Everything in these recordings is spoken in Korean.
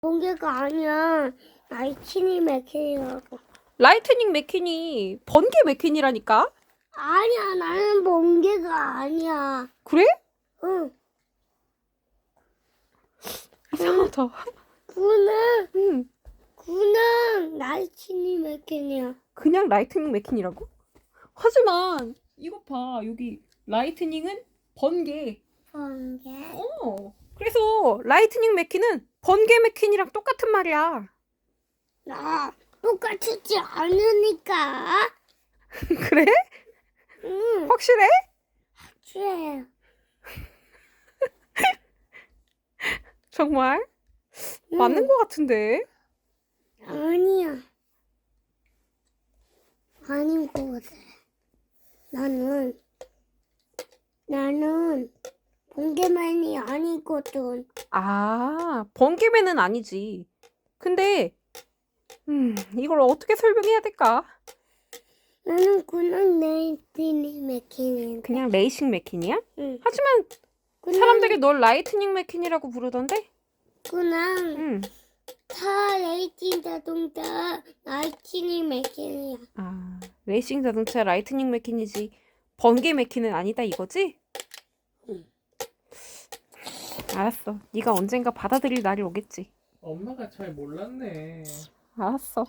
번개가 아니야. 라이트닝 맥퀸이라고. 라이트닝 맥퀸이 번개 맥퀸이라니까? 아니야, 나는 번개가 아니야. 그래? 응. 이상하다. 그는 응. 라이트닝 맥퀸이야. 그냥 라이트닝 맥퀸이라고? 하지만 이것 봐. 여기 라이트닝은 번개. 번개. 그래서 라이트닝 맥퀸은 번개 맥퀸이랑 똑같은 말이야. 나 똑같지 않으니까. 그래? 응. 확실해? 그래. 정말? 맞는 것 같은데. 아니야. 아닌 것 같아. 나는 번개만이 아니거든. 아, 번개맨은 아니지. 근데 이걸 어떻게 설명해야 될까? 나는 그냥 라이트닝 맥퀸인데. 그냥 레이싱 맥퀸이야? 응. 하지만 사람들이 널 라이트닝 맥퀸이라고 부르던데? 그냥 응. 차 레이팅 자동차 라이트닝 맥퀸이야. 아, 레이싱 자동차 라이트닝 맥퀸이지. 번개 맥퀸은 아니다 이거지? 응. 알았어. 네가 언젠가 받아들일 날이 오겠지. 엄마가 잘 몰랐네. 알았어.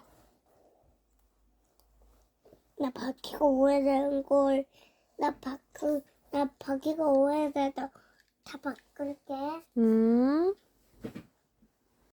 나 바퀴가 오래된 걸. 나 바퀴가 오래돼서 다 바꿀게. 음.